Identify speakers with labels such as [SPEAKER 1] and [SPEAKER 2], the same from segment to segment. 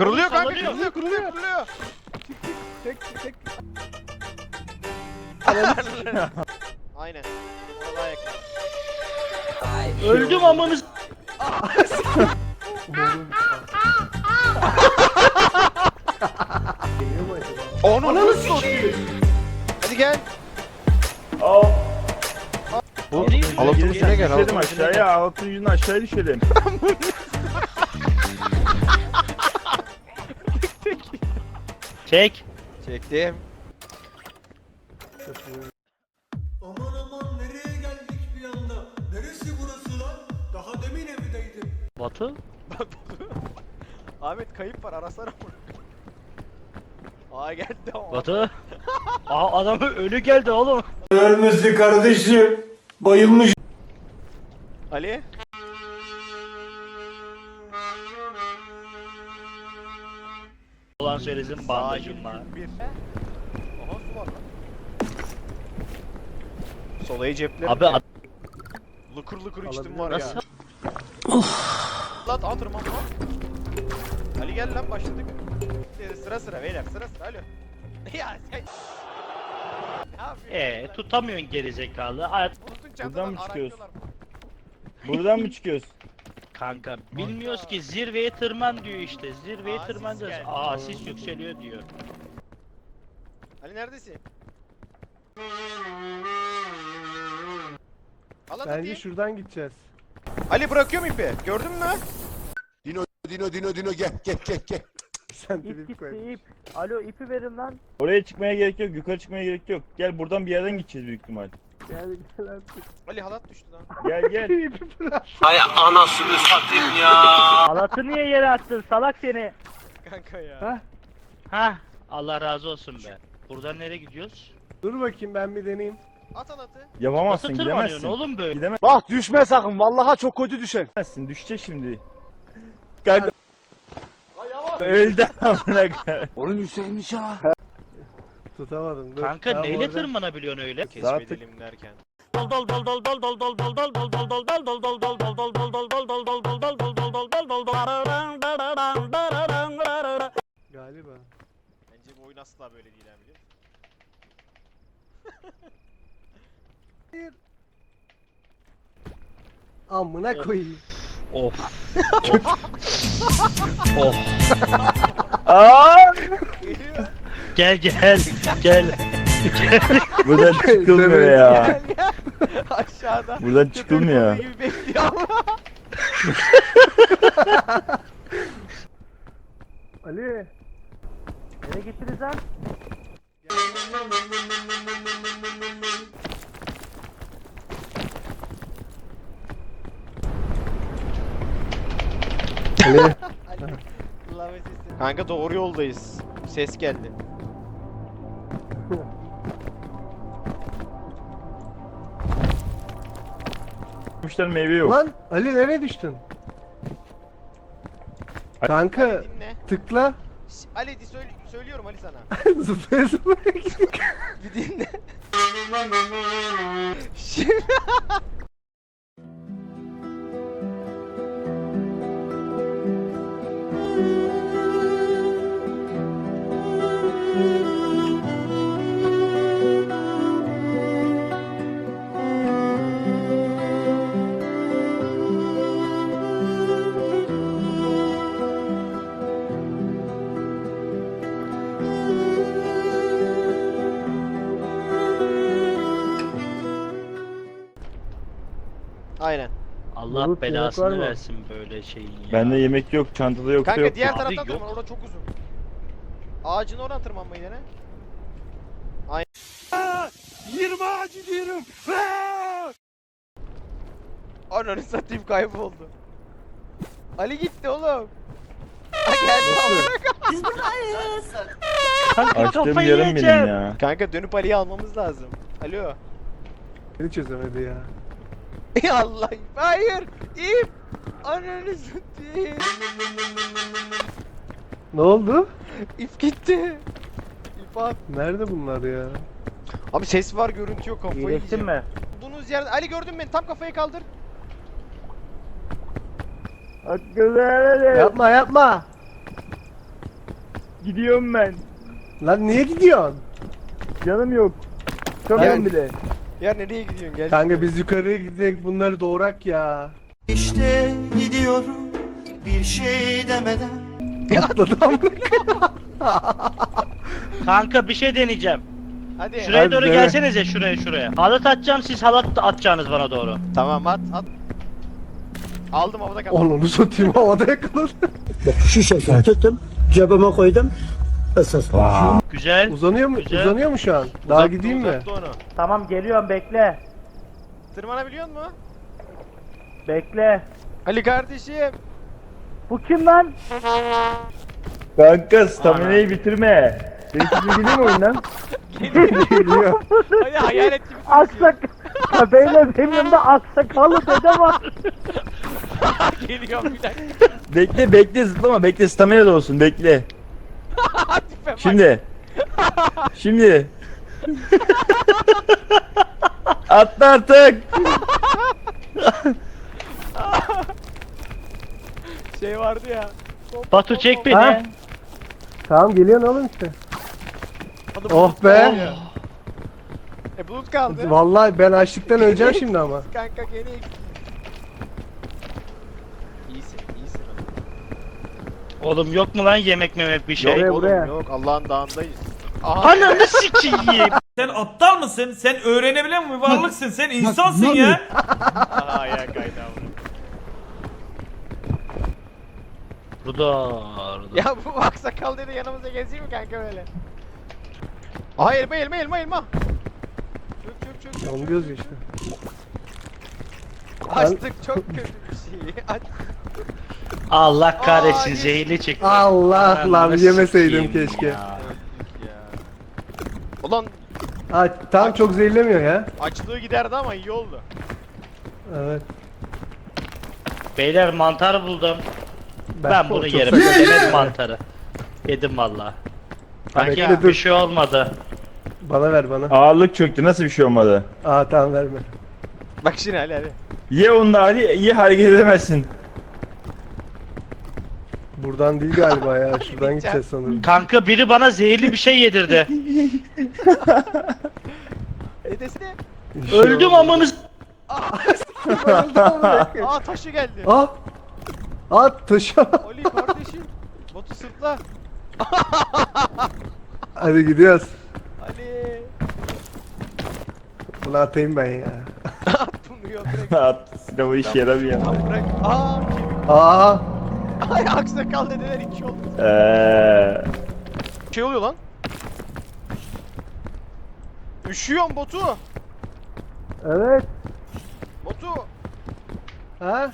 [SPEAKER 1] Kırılıyor kanka,
[SPEAKER 2] Sallanıyor.
[SPEAKER 1] kırılıyor.
[SPEAKER 3] Çek.
[SPEAKER 1] Aynen. Ona daha yakın.
[SPEAKER 2] Öldüm amını s-
[SPEAKER 3] Geliyor mu acaba?
[SPEAKER 1] Onu nasıl satayım? Hadi gel.
[SPEAKER 4] Al.
[SPEAKER 1] Bu
[SPEAKER 2] Gireyim mi?
[SPEAKER 1] Halatın
[SPEAKER 2] Gireyim.
[SPEAKER 1] üstüne gel.
[SPEAKER 4] Düşelim
[SPEAKER 1] Halatın üstüne
[SPEAKER 4] aşağıya.
[SPEAKER 1] gel.
[SPEAKER 4] Altın yüzünden aşağıya düşelim.
[SPEAKER 2] Çek.
[SPEAKER 1] Çektim.
[SPEAKER 5] Aman nereye geldik bir anda? Neresi burası lan? Daha demin evdeydim.
[SPEAKER 2] Batu.
[SPEAKER 1] Ahmet kayıp var, arasana bunu. Aa geldi ama.
[SPEAKER 2] Batu. Aa adam ölü geldi oğlum.
[SPEAKER 5] Ölmesi kardeşim. Bayılmış.
[SPEAKER 1] Ali.
[SPEAKER 2] Ulan söylesin bandajım var.
[SPEAKER 1] Bir. Aha su var lan. Solayı ceplerim.
[SPEAKER 2] Abi ad-
[SPEAKER 1] Lıkır lıkır içtim
[SPEAKER 3] Alabilir
[SPEAKER 1] var
[SPEAKER 2] nasıl?
[SPEAKER 1] ya. Lan atırmam lan. Ali gel lan, başladık. Sıra beyler, sıra alo. Ya sen. Ne yapıyorsun?
[SPEAKER 2] Tutamıyorsun gerizekalı. Hayat
[SPEAKER 1] Unutun
[SPEAKER 4] Buradan
[SPEAKER 1] çantadan
[SPEAKER 4] mı çıkıyoruz?
[SPEAKER 1] araklıyorlar.
[SPEAKER 4] Buradan mı çıkıyoruz?
[SPEAKER 2] kanka bilmiyoruz ki zirveye tırman diyor işte. Zirveye
[SPEAKER 1] Aa,
[SPEAKER 2] tırmanacağız.
[SPEAKER 1] sis geldi.
[SPEAKER 2] Aa sis yükseliyor diyor.
[SPEAKER 1] Ali neredesin? Al
[SPEAKER 3] Bence
[SPEAKER 1] hadi.
[SPEAKER 3] şuradan gideceğiz.
[SPEAKER 1] Ali bırakıyorum ipi. Gördün mü?
[SPEAKER 6] Dino gel.
[SPEAKER 3] Sen de bir koy.
[SPEAKER 2] Alo ipi verin lan.
[SPEAKER 4] Oraya çıkmaya gerek yok. Yukarı çıkmaya gerek yok. Gel buradan bir yerden gideceğiz büyük ihtimal.
[SPEAKER 3] Gel artık.
[SPEAKER 1] Ali halat düştü lan.
[SPEAKER 4] Gel.
[SPEAKER 2] Halatı niye yere attın salak seni?
[SPEAKER 1] Kanka ya.
[SPEAKER 3] Hah.
[SPEAKER 2] Hah Allah razı olsun be. Buradan nereye gidiyoruz?
[SPEAKER 3] Dur bakayım ben bir deneyeyim.
[SPEAKER 1] At halatı.
[SPEAKER 4] Yapamazsın,
[SPEAKER 2] Nasıl tırmanıyorsun
[SPEAKER 4] gidemezsin.
[SPEAKER 2] oğlum böyle?
[SPEAKER 4] Gidemezsin.
[SPEAKER 6] Bak düşme sakın. Vallahi çok kötü düşer.
[SPEAKER 4] Düşecek şimdi. Kanka. Öldü amına koyayım.
[SPEAKER 6] Onun Hüseyin'miş ha.
[SPEAKER 3] Tutamadım. Dur.
[SPEAKER 2] Kanka
[SPEAKER 3] Tamam,
[SPEAKER 2] neyle
[SPEAKER 3] orada.
[SPEAKER 2] tırmanabiliyorsun öyle?
[SPEAKER 1] Keşfedelim derken.
[SPEAKER 3] Galiba.
[SPEAKER 1] Bence bu oyun asla böyle değil abi.
[SPEAKER 3] Amına koyayım.
[SPEAKER 2] Of. Of.
[SPEAKER 4] Aa!
[SPEAKER 1] Geliyor.
[SPEAKER 2] Gel.
[SPEAKER 4] Buradan çıkılmıyor ya.
[SPEAKER 1] Gel gel. Aşağıda.
[SPEAKER 4] Buradan çıkılmıyor.
[SPEAKER 1] Köpek balığı gibi bekliyor ama.
[SPEAKER 3] Ali.
[SPEAKER 2] Nereye gittiniz lan?
[SPEAKER 3] Ali.
[SPEAKER 1] Kanka doğru yoldayız. Ses geldi.
[SPEAKER 4] Müşteri meyve yok.
[SPEAKER 3] Lan Ali nereye düştün? Kanka
[SPEAKER 1] Dinle.
[SPEAKER 3] tıkla.
[SPEAKER 1] Ali söylüyorum Ali sana.
[SPEAKER 3] Zıplaya zıplaya git.
[SPEAKER 1] Bir dinle. Şimdi aynen.
[SPEAKER 2] Allah
[SPEAKER 3] Bulut, yemek var
[SPEAKER 2] belasını
[SPEAKER 3] mı?
[SPEAKER 2] versin böyle şeyin ya.
[SPEAKER 4] Bende yemek yok, çantada yoksa
[SPEAKER 1] Kanka
[SPEAKER 4] yok.
[SPEAKER 1] diğer
[SPEAKER 2] Abi
[SPEAKER 1] taraftan
[SPEAKER 2] yok.
[SPEAKER 1] tırman, orada çok uzun. Ağacın oradan tırmanmayı dene.
[SPEAKER 6] 20 ağacı diyorum.
[SPEAKER 1] Ananı satayım, kayboldu. Ali gitti oğlum. Ha geldi.
[SPEAKER 2] Kanka
[SPEAKER 4] Açtığım
[SPEAKER 2] kafayı
[SPEAKER 4] yarım
[SPEAKER 2] yiyeceğim.
[SPEAKER 4] benim ya.
[SPEAKER 1] Kanka dönüp Ali'yi almamız lazım. Alo.
[SPEAKER 3] Beni çözemedi ya.
[SPEAKER 1] Ya Allah. Hayır. İp. Ananı satayım.
[SPEAKER 3] Ne oldu?
[SPEAKER 1] İp gitti. İp at.
[SPEAKER 3] Nerede bunlar ya?
[SPEAKER 1] Abi ses var, görüntü yok, kafayı
[SPEAKER 2] İyileştin
[SPEAKER 1] yiyeceğim.
[SPEAKER 2] mi?
[SPEAKER 1] Olduğunuz yerde Ali gördün beni, tam kafayı kaldır.
[SPEAKER 3] Yapma.
[SPEAKER 4] Gidiyorum ben.
[SPEAKER 3] Lan niye gidiyorsun?
[SPEAKER 4] Canım yok. Çıkamıyorum bile.
[SPEAKER 1] Ya nereye gidiyorsun? Gel.
[SPEAKER 3] Kanka biz yukarıya gidelim bunları doğurak ya.
[SPEAKER 7] İşte gidiyorum bir şey demeden.
[SPEAKER 3] Atladım.
[SPEAKER 2] Kanka bir şey deneyeceğim.
[SPEAKER 1] Hadi.
[SPEAKER 2] Şuraya
[SPEAKER 3] Hadi
[SPEAKER 2] doğru
[SPEAKER 3] dene.
[SPEAKER 2] gelsenize şuraya. Halat atacağım, siz halat atacaksınız bana doğru.
[SPEAKER 1] Tamam at. Aldım havada kaldı.
[SPEAKER 3] Onu satayım havada yakaladı.
[SPEAKER 7] Şu şekilde tuttum, cebime koydum. Esas.
[SPEAKER 2] Güzel.
[SPEAKER 3] Uzanıyor mu?
[SPEAKER 2] Güzel.
[SPEAKER 3] Uzanıyor mu şu an? Daha
[SPEAKER 1] Uzattı,
[SPEAKER 3] gideyim mi?
[SPEAKER 1] uzattı onu.
[SPEAKER 4] Tamam geliyorum bekle.
[SPEAKER 1] Tırmanabiliyor musun?
[SPEAKER 4] Bekle.
[SPEAKER 1] Ali kardeşim.
[SPEAKER 4] Bu kim lan? Kanka staminayı bitirme. Senin için gideyim mi oyundan?
[SPEAKER 3] Geliyor.
[SPEAKER 1] Hadi hayalet gibi.
[SPEAKER 4] Aksak. Ya beyler benim yanımda aksakallı dede var.
[SPEAKER 1] Geliyorum bir dakika.
[SPEAKER 4] Bekle zıplama bekle stamina da olsun bekle.
[SPEAKER 1] Tipe bak.
[SPEAKER 4] Şimdi. Atla artık.
[SPEAKER 1] Şey vardı ya.
[SPEAKER 2] Batu çek beni.
[SPEAKER 3] Ha? Tamam geliyorsun oğlum işte.
[SPEAKER 1] Hadi
[SPEAKER 3] Oh
[SPEAKER 1] bulut
[SPEAKER 3] be.
[SPEAKER 1] kaldı. Bulut kaldı.
[SPEAKER 3] Vallahi ben açlıktan öleceğim şimdi ama.
[SPEAKER 1] Kanka gene İyisin.
[SPEAKER 2] Oğlum yok mu lan yemek memek bir şey?
[SPEAKER 1] Yok
[SPEAKER 3] buraya.
[SPEAKER 1] oğlum yok. Allah'ın dağındayız. Aha.
[SPEAKER 2] Ananı sikeyim.
[SPEAKER 8] Sen aptal mısın? Sen öğrenebilen bir varlıksın. Sen insansın ya.
[SPEAKER 1] Aha ya kaynağı.
[SPEAKER 2] Rudo.
[SPEAKER 1] Ya bu aksakal dedi yanımıza gezeyim mi kanka böyle? Aha elma. Çök.
[SPEAKER 3] Onu göz işte.
[SPEAKER 1] Açtık çok kötü bir şey. Aç.
[SPEAKER 2] Allah kahretsin
[SPEAKER 1] Aa,
[SPEAKER 2] zehirli çıktı.
[SPEAKER 3] Allah lan
[SPEAKER 2] Ananı
[SPEAKER 3] yemeseydim
[SPEAKER 2] sikeyim
[SPEAKER 3] keşke.
[SPEAKER 2] ya.
[SPEAKER 1] Ulan
[SPEAKER 3] Ha, tam çok zehirlemiyor ya.
[SPEAKER 1] açlığı giderdi ama iyi oldu.
[SPEAKER 3] Evet.
[SPEAKER 2] Beyler mantar buldum. Ben bunu
[SPEAKER 3] çok
[SPEAKER 2] yerim.
[SPEAKER 3] sakat.
[SPEAKER 2] Yemedim mantarı. Yedim valla.
[SPEAKER 1] Kanka
[SPEAKER 3] Bekle,
[SPEAKER 2] Bir
[SPEAKER 3] dur.
[SPEAKER 2] şey olmadı.
[SPEAKER 3] Bana ver bana.
[SPEAKER 4] Ağırlık çöktü nasıl bir şey olmadı?
[SPEAKER 3] Aa tamam verme.
[SPEAKER 1] bak şimdi hadi.
[SPEAKER 4] Ye onu da Ali ye hareket edemezsin.
[SPEAKER 3] Buradan değil galiba ya. Şuradan gideceğiz sanırım.
[SPEAKER 2] Kanka biri bana zehirli bir şey yedirdi.
[SPEAKER 1] Edesine.
[SPEAKER 2] Öldüm amını s-
[SPEAKER 1] Aa taşı geldi.
[SPEAKER 3] Aa! Aa taşı.
[SPEAKER 1] Ali kardeşim. Botu sırtla.
[SPEAKER 3] Hadi gidiyoruz.
[SPEAKER 1] Ali.
[SPEAKER 3] Bunu atayım ben ya.
[SPEAKER 1] At bunu yok bırak.
[SPEAKER 4] At silahı iş yaramıyor.
[SPEAKER 1] At bırak. Aa kemik.
[SPEAKER 3] Aa!
[SPEAKER 1] Ay aksakal dediler iki oldu. Şey oluyor lan. Üşüyorum botu.
[SPEAKER 3] Evet.
[SPEAKER 1] Botu.
[SPEAKER 3] Ha?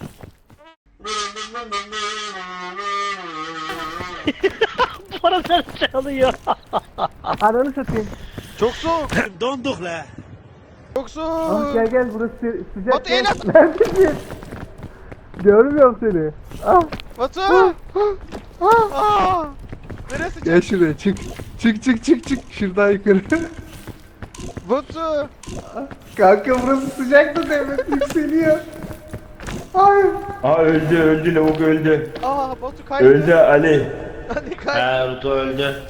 [SPEAKER 2] Bu arada çalıyor.
[SPEAKER 3] Ananı satayım.
[SPEAKER 1] Çok soğuk.
[SPEAKER 6] Donduk la.
[SPEAKER 1] Çok
[SPEAKER 3] Ah,
[SPEAKER 1] soğuk.
[SPEAKER 3] gel burası sıcak.
[SPEAKER 1] Batu el at.
[SPEAKER 3] Neredesin? Görmüyorum seni. Ah!
[SPEAKER 1] Batu. Aa. Neresi?
[SPEAKER 3] Gel şuraya çık. Çık. Şuradan yukarı.
[SPEAKER 1] Batu.
[SPEAKER 3] Kanka burası sıcak da devlet yükseliyor. Hayır.
[SPEAKER 4] Aa öldü lavuk öldü.
[SPEAKER 1] Aa Batu kaydı.
[SPEAKER 4] Öldü Ali.
[SPEAKER 1] Hadi kaydı.
[SPEAKER 2] Ha Rudo öldü.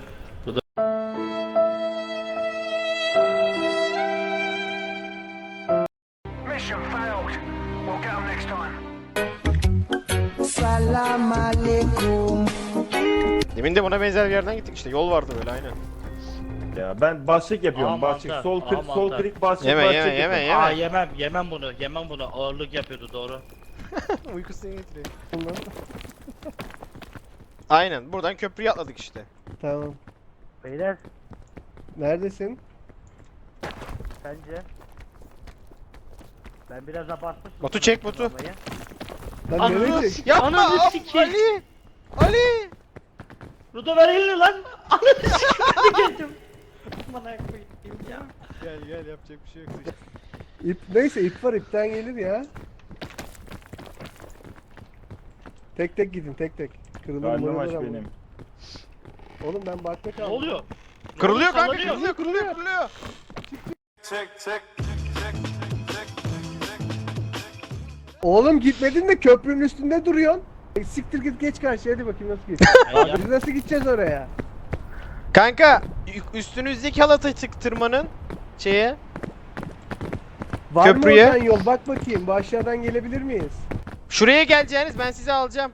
[SPEAKER 1] Demin de buna benzer bir yerden gittik işte. Yol vardı böyle aynen.
[SPEAKER 4] Ya ben basçık yapıyorum
[SPEAKER 2] Aa,
[SPEAKER 4] basçık.
[SPEAKER 2] mantar.
[SPEAKER 4] Sol
[SPEAKER 2] Aa,
[SPEAKER 4] klik sol
[SPEAKER 2] mantar.
[SPEAKER 4] klik basçık
[SPEAKER 1] Yeme,
[SPEAKER 4] basçık
[SPEAKER 1] yeme,
[SPEAKER 4] yapıyorum.
[SPEAKER 2] Aa yemem bunu. Yemem bunu. Ağırlık yapıyordu doğru.
[SPEAKER 1] Uykusunu getiriyor. Aynen buradan köprüye atladık işte.
[SPEAKER 3] Tamam.
[SPEAKER 4] Beyler
[SPEAKER 3] Neredesin?
[SPEAKER 4] sence? Ben biraz abartmışım.
[SPEAKER 1] Batu çek Batu.
[SPEAKER 3] Lan
[SPEAKER 2] Ananı
[SPEAKER 3] nereye?
[SPEAKER 2] sik-
[SPEAKER 1] Yapma
[SPEAKER 2] Ananı
[SPEAKER 1] ab-
[SPEAKER 2] sikeyim.
[SPEAKER 1] Ali. Ali.
[SPEAKER 2] Rudo ver elini lan. Ananı sikeyim geldim. Bana koyayım ya.
[SPEAKER 1] Gel yapacak bir şey yok.
[SPEAKER 3] İp neyse ip var ipten gelir ya. Tek gidin tek. Kırılır
[SPEAKER 4] Karnım
[SPEAKER 3] mırılır
[SPEAKER 4] aç
[SPEAKER 3] ama.
[SPEAKER 4] benim.
[SPEAKER 3] Oğlum ben bakta
[SPEAKER 2] Ne
[SPEAKER 3] kaldım.
[SPEAKER 2] oluyor?
[SPEAKER 1] Kırılıyor kanka
[SPEAKER 2] Sallanıyor.
[SPEAKER 1] kırılıyor.
[SPEAKER 3] Oğlum gitmedin de köprünün üstünde duruyorsun. Siktir git geç karşıya hadi bakayım nasıl geç. Biz nasıl gideceğiz oraya?
[SPEAKER 1] Kanka üstünüzdeki halata tırmanın şeye.
[SPEAKER 3] Var
[SPEAKER 1] Köprüye.
[SPEAKER 3] mı oradan yol? Bak bakayım. Bu aşağıdan gelebilir miyiz?
[SPEAKER 1] Şuraya geleceğiniz ben sizi alacağım.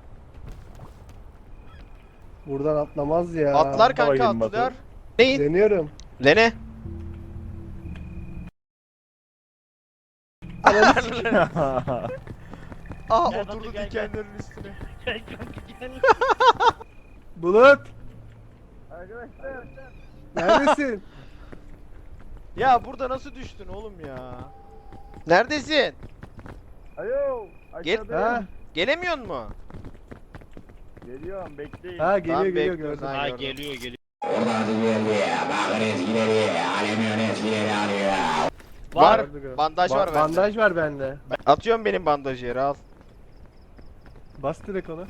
[SPEAKER 3] Buradan atlamaz ya.
[SPEAKER 1] Atlar kanka
[SPEAKER 4] bakayım Batu.
[SPEAKER 1] atlar. Neyin?
[SPEAKER 3] Deniyorum.
[SPEAKER 1] Lene. Aa
[SPEAKER 2] Gel
[SPEAKER 1] oturdu
[SPEAKER 2] Batu, gel,
[SPEAKER 1] dikenlerin üstüne.
[SPEAKER 2] Gel kanka gel.
[SPEAKER 3] Bulut. Arkadaşlar. Neredesin?
[SPEAKER 1] Ya burada nasıl düştün oğlum ya? Neredesin?
[SPEAKER 3] Alo.
[SPEAKER 1] Gel.
[SPEAKER 3] Ha,
[SPEAKER 1] Gelemiyor mu?
[SPEAKER 4] Geliyorum bekleyin.
[SPEAKER 3] ha geliyor
[SPEAKER 1] Tamam,
[SPEAKER 3] geliyor
[SPEAKER 1] bekliyoruz,
[SPEAKER 3] gördüm.
[SPEAKER 1] ha.
[SPEAKER 2] Ha geliyor geliyor.
[SPEAKER 1] Var.
[SPEAKER 3] Gördük, gördük.
[SPEAKER 1] Bandaj var bende.
[SPEAKER 3] Bandaj var bende.
[SPEAKER 1] Atıyorum benim bandajı yere al.
[SPEAKER 3] Bas direkt ona.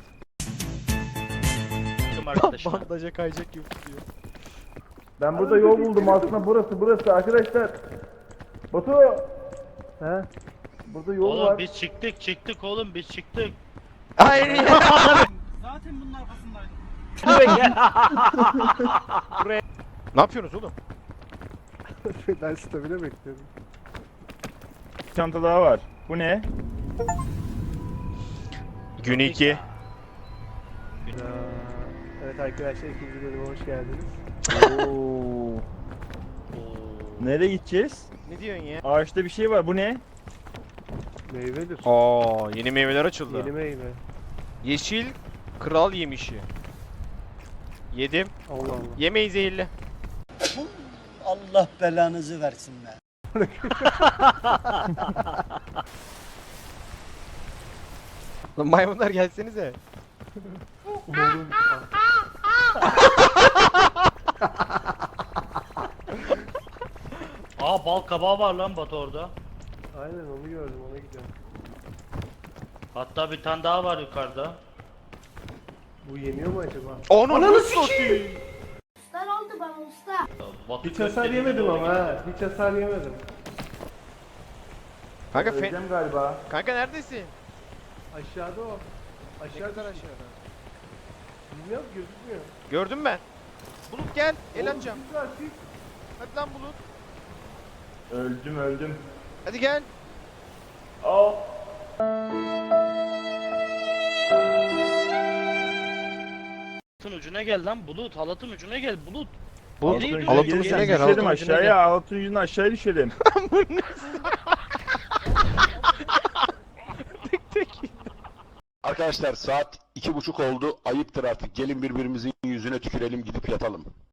[SPEAKER 2] Arkadaşlar.
[SPEAKER 1] Bandaja kayacak gibi tutuyor.
[SPEAKER 3] Ben burada yol buldum aslında burası arkadaşlar. Batu. He. Burada yol
[SPEAKER 2] Oğlum
[SPEAKER 3] var.
[SPEAKER 2] biz çıktık oğlum biz çıktık.
[SPEAKER 1] Hayır ya. Ne yapıyorsunuz oğlum?
[SPEAKER 3] Ben stabile bekliyorum.
[SPEAKER 4] Bir çanta daha var. Bu ne?
[SPEAKER 1] Gün 2.
[SPEAKER 3] Evet arkadaşlar ikinci bölüme hoş geldiniz.
[SPEAKER 4] Oo. Nereye gideceğiz?
[SPEAKER 1] Ne diyorsun ya?
[SPEAKER 4] Ağaçta bir şey var. Bu ne?
[SPEAKER 3] Meyvedir.
[SPEAKER 1] Aa, yeni meyveler açıldı.
[SPEAKER 3] Yeni meyve.
[SPEAKER 1] Yeşil kral yemişi. Yedim.
[SPEAKER 3] Allah Allah.
[SPEAKER 1] Yemeği zehirli.
[SPEAKER 7] Allah belanızı versin be.
[SPEAKER 1] Lan maymunlar gelsenize.
[SPEAKER 3] Umarım.
[SPEAKER 2] Aa bal kabağı var lan Batu orada.
[SPEAKER 3] Aynen onu gördüm ona gidiyorum.
[SPEAKER 2] Hatta bir tane daha var yukarıda.
[SPEAKER 3] Bu yeniyor mu acaba?
[SPEAKER 1] Onu sikeyim.
[SPEAKER 9] Usta ne oldu bana usta?
[SPEAKER 2] Batu
[SPEAKER 3] Hiç hasar
[SPEAKER 2] köfteliğine
[SPEAKER 3] yemedim
[SPEAKER 2] doğru
[SPEAKER 3] ama
[SPEAKER 2] gidiyor.
[SPEAKER 3] ha. Hiç hasar yemedim.
[SPEAKER 1] Kanka
[SPEAKER 3] Öleceğim galiba.
[SPEAKER 1] Kanka neredesin?
[SPEAKER 3] Aşağıda o.
[SPEAKER 1] Ne
[SPEAKER 3] Aşağı
[SPEAKER 1] kadar
[SPEAKER 3] düştü.
[SPEAKER 1] aşağıda?
[SPEAKER 3] Bilmiyorum gözükmüyor.
[SPEAKER 1] Gördüm ben. Bulut gel, el
[SPEAKER 3] Oğlum,
[SPEAKER 1] atacağım.
[SPEAKER 3] güzel, siz-
[SPEAKER 1] Hadi lan Bulut.
[SPEAKER 4] Öldüm.
[SPEAKER 1] Hadi gel.
[SPEAKER 4] Aa.
[SPEAKER 2] Halatın ucuna gel lan Bulut. Halatın ucuna gel Bulut.
[SPEAKER 1] Bulut,
[SPEAKER 2] Nereye gidiyorsun?
[SPEAKER 1] halatın
[SPEAKER 2] Gel,
[SPEAKER 1] ucuna
[SPEAKER 2] gel.
[SPEAKER 1] gel.
[SPEAKER 4] Düşelim
[SPEAKER 1] halatın ucuna
[SPEAKER 4] aşağıya. Altın ucundan aşağıya düşelim.
[SPEAKER 6] Arkadaşlar saat 2:30 oldu. Ayıptır artık. Gelin birbirimizin yüzüne tükürelim gidip yatalım.